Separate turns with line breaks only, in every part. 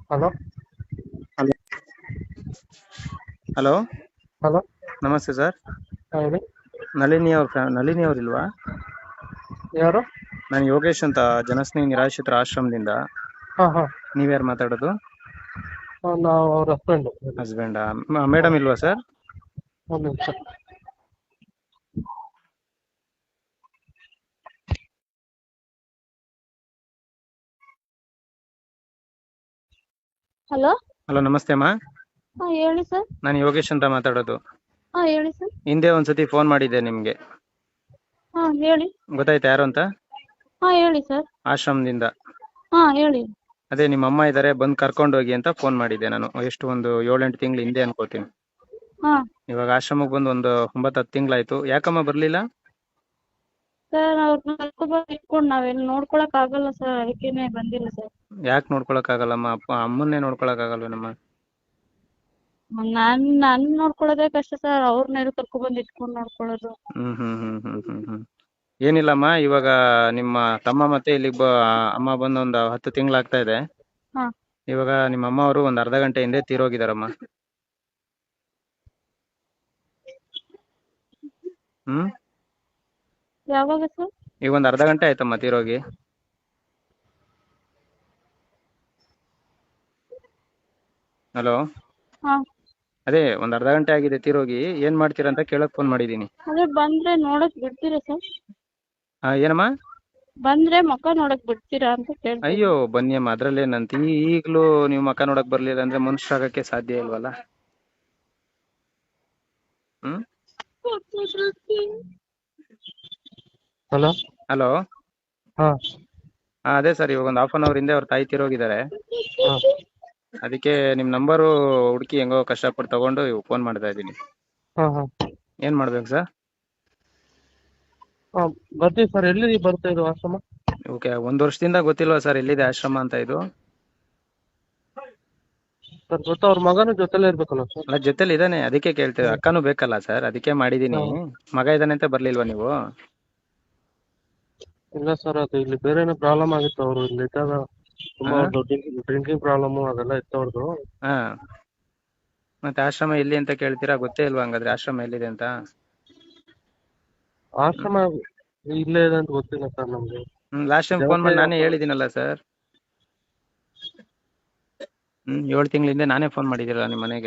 Hello
hello hello
hello
ನಮಸ್ತೆ sir.
ಹೇಳಿ.
ನಳಿನಿ ಅವ್ರಿಲ್ವಾ?
ಯಾರು?
ನಾನು ಯೋಗೇಶ್ ಅಂತ, ಜನಸ್ನೇಹಿ ನಿರಾಶ್ರಿತರ ಆಶ್ರಮದಿಂದ.
ಹಾ ಹಾ
ನೀವ್ಯಾರು ಮಾತಾಡೋದು?
ನಾವು ಅವ್ರ ಹಸ್ಬೆಂಡ್.
ಹಸ್ಬೆಂಡಾ? ಮೇಡಮ್ ಇಲ್ವಾ ಸರ್?
ಒಂದು ನಿಮಿಷ.
ಹಲೋ
ಹಲೋ, ನಮಸ್ತೆ ಅಮ್ಮ.
ಹಾ ಹೇಳಿ ಸರ್.
ನಾನು ಯೋಗೇಶ್ ಅಂತ ಮಾತಾಡೋದು.
ಹಾ ಹೇಳಿ ಸರ್.
ಹಿಂದೆ ಒಂದ್ಸತಿ ಫೋನ್ ಮಾಡಿದ್ದೆ ನಿಮ್ಗೆ,
ಹಾ ಹೇಳಿ.
ಗೊತ್ತಾಯ್ತಾ ಯಾರು ಅಂತ?
ಹಾ ಹೇಳಿ ಸರ್.
ಆಶ್ರಮದಿಂದ.
ಹಾ ಹೇಳಿ.
ಅದೇ ನಿಮ್ಮ ಅಮ್ಮ ಇದಾರೆ, ಬಂದು ಕರ್ಕೊಂಡು ಹೋಗಿ ಅಂತ ಫೋನ್ ಮಾಡಿದ್ದೆ ನಾನು. ಎಷ್ಟು ಒಂದು 7-8 ತಿಂಗಳು ಹಿಂದೆ ಅನ್ಕೋತೀನಿ.
ಹಾ
ಇವಾಗ ಆಶ್ರಮಕ್ಕೆ ಬಂದು ಒಂದು 9-10 ತಿಂಗಳಾಯ್ತು. ಯಾಕಮ್ಮ ಬರ್ಲಿಲ್ಲ?
ಸರ್ ಅವ್ರನ್ನ ಕರ್ಕೊಂಡ್ಬಂದು ಇಟ್ಕೊಂಡು ನಾವೆಲ್ಲಿ ನೋಡ್ಕೊಳಕ್ ಆಗಲ್ಲ ಸರ್, ಅದಕ್ಕೇನೆ ಬಂದಿಲ್ಲ ಸರ್.
ಯಾಕೆ ನೋಡ್ಕೊಳಕ್ ಆಗಲ್ಲಮ್ಮ? ಅಮ್ಮನ್ನೇ ನೋಡ್ಕೊಳಕ್ ಆಗಲ್ವೇನಮ್ಮ?
ನಾನ್ ನೋಡ್ಕೊಳ್ಳೋದೇ ಕಷ್ಟ ಸರ್, ಅವ್ರನ್ನೆಲ್ಲ ಕರ್ಕೊಂಡ್ಬಂದು ಇಟ್ಕೊಂಡು ನೋಡ್ಕೊಳ್ಳೋದು.
ಏನಿಲ್ಲಮ್ಮ, ಇವಾಗ ನಿಮ್ಮ ತಮ್ಮ ಮತ್ತೆ ಇಲ್ಲಿಗೆ ಅಮ್ಮ ಬಂದು ಒಂದು 10 ತಿಂಗಳಾಗ್ತಾ ಇದೆ.
ಹಾ
ಇವಾಗ ನಿಮ್ಮ ಅಮ್ಮ ಅವರು ಒಂದು ಅರ್ಧ ಗಂಟೆ ಹಿಂದೆ ತೀರೋಗಿದಾರಮ್ಮ.
ಯಾವಾಗ ಸರ್?
ಈಗ ಒಂದು ಅರ್ಧ ಗಂಟೆ ಆಯ್ತಮ್ಮ ತೀರೋಗಿ. ಹಲೋ,
ಹಾ
ಅದೇ ಒಂದು ಅರ್ಧ ಗಂಟೆ ಆಗಿದೆ ತೀರೋಗಿ. ಏನ್ ಮಾಡ್ತೀರಾ ಅಂತ ಕೇಳಕ್ ಫೋನ್ ಮಾಡಿದೀನಿ.
ಅದೇ ಬಂದ್ರೆ ನೋಡಕ್ ಬಿಡ್ತೀರಾ ಸರ್?
ಏನಮ್ಮ?
ಬಂದ್ರೆ ಮುಖ ನೋಡಕ್ ಬಿಡ್ತೀರಾ ಅಂತ ಕೇಳ್ತೀನಿ.
ಅಯ್ಯೋ ಬನ್ನಿ ಅಮ್ಮ, ಅದ್ರಲ್ಲೇನಂತ. ಈಗ್ಲೂ ನೀವು ಮಕ್ಕ ನೋಡಕ್ ಬರ್ಲಿಲ್ಲ ಅಂದ್ರೆ ಮನುಷ್ಯರಾಗಕ್ಕೆ ಸಾಧ್ಯ ಇಲ್ವಲ್ಲ.
Hello
hello.
ಹಾ
ಅದೇ ಸರ್, ಇವಾಗ ಒಂದು 1/2 ಅವರ್ ಹಿಂದೆ ಅವ್ರ ತಾಯಿ ತೀರೋಗಿದ್ದಾರೆ.
ಹಾ
ಅದಕ್ಕೆ ನಿಮ್ ನಂಬರು ಹುಡುಕಿ ಹೆಂಗೋ ಕಷ್ಟಪಟ್ಟು ತಗೊಂಡು ಫೋನ್ ಮಾಡ್ತಾ ಇದ್ದೀನಿ.
ಹಾ ಹಾ
ಏನ್ ಮಾಡ್ಬೇಕು ಸರ್?
ಹಾ ಬರ್ತೀವಿ ಸರ್. ಎಲ್ಲಿ ಬರ್ತಾ ಇದು ಆಶ್ರಮ?
ಓಕೆ, 1 ವರ್ಷದಿಂದ ಗೊತ್ತಿಲ್ವಾ ಸರ್ ಎಲ್ಲಿದೆ ಆಶ್ರಮ ಅಂತ ಇದು?
ಸರ್ ಗೊತ್ತಾ, ಅವ್ರ ಮಗನ ಜೊತೆಲೇ ಇರ್ಬೇಕಲ್ಲ ಸರ್?
ಅಲ್ಲ, ಜೊತೆಲಿ ಇದಾನೆ, ಅದಕ್ಕೆ ಕೇಳ್ತೇವೆ. ಅಕ್ಕನೂ ಬೇಕಲ್ಲ ಸರ್, ಅದಕ್ಕೆ ಮಾಡಿದೀನಿ.
ಹಾ.
ಮಗ ಇದಾನೆ ಅಂತ ಬರ್ಲಿಲ್ವಾ ನೀವು?
ಇಲ್ಲ ಸರ್, ಅದು ಇಲ್ಲಿ ಬೇರೆನೇ ಪ್ರಾಬ್ಲಮ್ ಆಗಿತ್ತು. ಅವರು ಇಲ್ಲಿ ಇದ್ದಾಗ ತುಂಬಾ
ಹಾ
ಡ್ರಿಂಕಿಂಗ್ ಪ್ರಾಬ್ಲಮ್ ಅದೆಲ್ಲ ಇತ್ತು ಅವ್ರದ್ದು.
ಹಾ ಮತ್ತೆ ಆಶ್ರಮ ಎಲ್ಲಿ ಅಂತ ಕೇಳ್ತೀರಾ? ಗೊತ್ತೇ ಇಲ್ವಾ ಹಂಗಾದ್ರೆ ಆಶ್ರಮ ಎಲ್ಲಿದೆ ಅಂತ?
ಆಶ್ರಮ ಇಲ್ಲೇ ಇದೆ ಅಂತ ಗೊತ್ತಿಲ್ಲ ಸರ್ ನಮ್ಗೆ.
ಲಾಸ್ಟ್ ಟೈಮ್ ಫೋನ್ ಮಾಡಿ ನಾನೇ ಹೇಳಿದ್ದೀನಲ್ಲ ಸರ್. 7 ತಿಂಗಳ ಹಿಂದೆ ನಾನೇ ಫೋನ್ ಮಾಡಿದ್ದೀರಲ್ಲ ನಿಮ್ಮ ಮನೆಗೆ.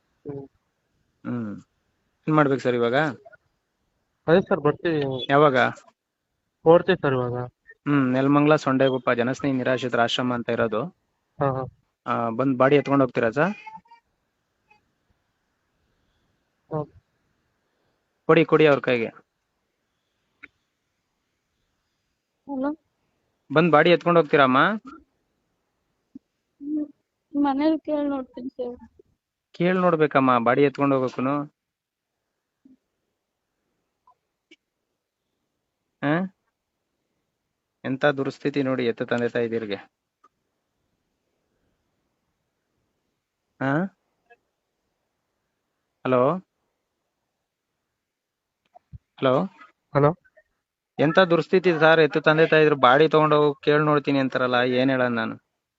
ಏನ್ ಮಾಡ್ಬೇಕು ಸರ್ ಇವಾಗ?
ಅದೇ ಸರ್, ಬರ್ತೀವಿ.
ಯಾವಾಗ?
ಹೊರಡ್ತೀವಿ ಸರ್ ಇವಾಗ.
ನೆಲಮಂಗಲ ಸೊಂಡೆಗುಪ್ಪ ಜನಸ್ನೇಹಿ ನಿರಾಶ್ರಿತರ ಆಶ್ರಮ ಅಂತ ಇರೋದು.
ಹಾ ಹಾ
ಬಂದ್ ಬಾಡಿ ಎತ್ಕೊಂಡು ಹೋಗ್ತೀರಾ ಸರ್?
ಹಾ.
ಕೊಡಿ ಅವ್ರ ಕೈಗೆ.
ಹಲೋ,
ಬಂದ್ ಬಾಡಿ ಎತ್ಕೊಂಡು ಹೋಗ್ತೀರಮ್ಮ?
ಮನೇಲಿ ಕೇಳಿ ನೋಡ್ತೀನಿ ಸರ್.
ಕೇಳಿ ನೋಡ್ಬೇಕಮ್ಮ, ಬಾಡಿ ಎತ್ಕೊಂಡು ಹೋಗಕ್ಕೂನು. ಎಂತ ದುರ್ಸ್ಥಿತಿ ನೋಡಿ ಎತ್ತು ತಂದೆ ತಾಯಿದಿರಿಗೆ. Hello hello
hello.
ಎಂತ ದುರ್ಸ್ಥಿತಿ ಸರ್, ಎತ್ತು ತಂದೆ ತಾಯಿದ್ರು ಬಾಡಿ ತಗೊಂಡೋಗಿ ಕೇಳಿ ನೋಡ್ತೀನಿ ಅಂತಾರಲ್ಲ, ಏನ್ ಹೇಳೋದ್ ನಾನು?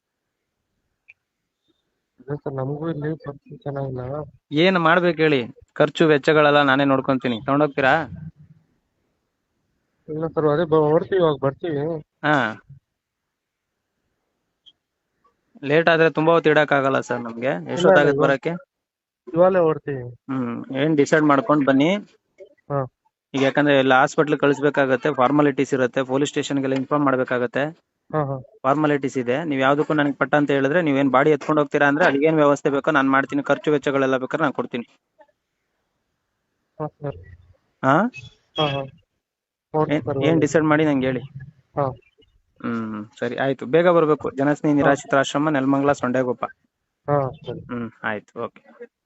ಸರ್ ನಮಗೂ ಇಲ್ಲಿ ಪರಿಸ್ಥಿತಿ ಚೆನ್ನಾಗಿಲ್ಲ.
ಏನ್ ಮಾಡ್ಬೇಕು ಹೇಳಿ? ಖರ್ಚು ವೆಚ್ಚಗಳೆಲ್ಲ ನಾನೇ ನೋಡ್ಕೊಂತೀನಿ. ತಗೊಂಡೋಗ್ತೀರಾ?
ಇಲ್ಲ ಸರ್, ಅದೇ ಹೊರಡ್ತೀವಿ, ಇವಾಗ ಬರ್ತೀವಿ.
ಲೇಟ್ ಆದ್ರೆ ತುಂಬಾ ಹೊತ್ತು ಇಡಕ್ ಆಗಲ್ಲ ಸರ್ ನಮ್ಗೆ. ಎಷ್ಟೊತ್ತಾಗತ್ತೆ ಬರಕ್ಕೆ?
ಇವಾಗಲೇ ಹೊರಡ್ತೀವಿ.
ಏನ್ ಡಿಸೈಡ್ ಮಾಡ್ಕೊಂಡ್ ಬನ್ನಿ.
ಹಾ.
ಈಗ ಯಾಕಂದ್ರೆ ಎಲ್ಲ ಹಾಸ್ಪಿಟ್ಲ್ ಕಳಿಸ್ಬೇಕಾಗತ್ತೆ, ಫಾರ್ಮಾಲಿಟೀಸ್ ಇರುತ್ತೆ, ಪೊಲೀಸ್ ಸ್ಟೇಷನ್ಗೆಲ್ಲ ಇನ್ಫಾರ್ಮ್ ಮಾಡ್ಬೇಕಾಗತ್ತೆ.
ಹಾ ಹಾ
ಫಾರ್ಮಾಲಿಟೀಸ್ ಇದೆ. ನೀವ್ ಯಾವ್ದಕ್ಕೂ ನನಗೆ ಪಟ್ಟ ಅಂತ ಹೇಳಿದ್ರೆ, ನೀವೇನ್ ಬಾಡಿ ಎತ್ಕೊಂಡು ಹೋಗ್ತೀರಾ ಅಂದ್ರೆ ಅಲ್ಲಿಗೇನ್ ವ್ಯವಸ್ಥೆ ಬೇಕೋ ನಾನು ಮಾಡ್ತೀನಿ. ಖರ್ಚು ವೆಚ್ಚಗಳೆಲ್ಲ ಬೇಕಾದ್ರೆ ನಾನು ಕೊಡ್ತೀನಿ.
ಹಾ ಸರ್.
ಹಾ
ಹಾ ಹಾ.
ಏನ್ ಡಿಸೈಡ್ ಮಾಡಿ ನಂಗೆ ಹೇಳಿ.
ಹಾ.
ಸರಿ ಆಯ್ತು, ಬೇಗ ಬರ್ಬೇಕು. ಜನಸ್ನೇಹಿ ನಿರಾಶ್ರಿತರ ಆಶ್ರಮ, ನೆಲಮಂಗಲ ಸೊಂಡೆಗುಪ್ಪ.
ಹಾ ಸರಿ.
ಆಯ್ತು, ಓಕೆ.